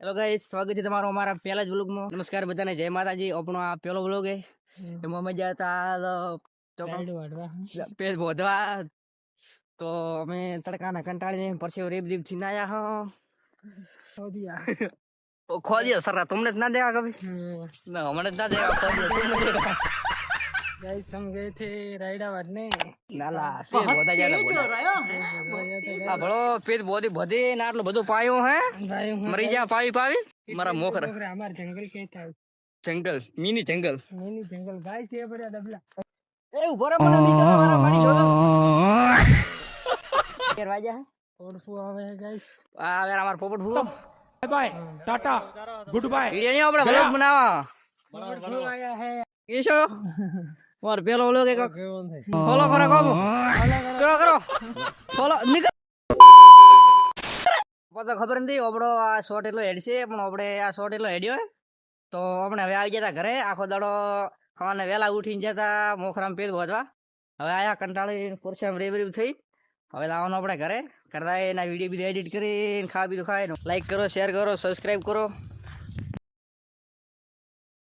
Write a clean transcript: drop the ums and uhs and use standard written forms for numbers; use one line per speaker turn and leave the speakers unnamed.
Hello guys, સ્વાગત છે તમારો અમારા પહેલા જ વ્લોગમાં. નમસ્કાર બધાને, જય માતાજી. આપણો આ પહેલો વ્લોગ હે. એમાં મજા હતા પેજ બોધવા. તો અમે તડકાના કંટાળીને પરસેવો રેબ રેબ થી નાયા હો ખોદિયો સર तुमने ना देखा कभी ना हमने ना देखा खोदियो
गाइस हम गए थे रायडावाद ने
नाला पेज बोधा जाता आ बड़ो पेज बोधी बधी ना आटलो બધું પાયો હે
भाई
મરી જા પાવી પાવી મારા મોખર
हमारे जंगल कहता है
જંગલ મિની જંગલ
मिनी जंगल गाइस ये बड़ा दबला
ए उभो रे મને મી કરવા મારા મારી જોડો કેર વાજા હે
और फू आवे है गाइस
આ વેર અમાર પોપટ ભૂ
bye bye tata good bye
video ની આપણે વ્લોગ બનાવવા
पोपट फू आया है
એ છો માર પેલો વ્લોગ એક
कौन है
ફોલો કરો કોમ કરો કરો ફોલો નીકળ પતો ખબર નથી આપણો આ શોર્ટ એટલો હેડ છે પણ આપણે આ શોર્ટ એટલો હેડ્યો તો આપણે હવે આવી જતા ઘરે આખો દાડો ખાવાને વહેલા ઉઠીને જતા મોખરામ પેટ વધવા હવે આયા કંટાળી પરસામ રેબ રેબ થઈ હવે લાવવાનું આપણે ઘરે કરતા એના વિડીયો બીજો એડિટ કરીને ખાવા બીજું ખાય લાઈક કરો શેર કરો સબસ્ક્રાઈબ કરો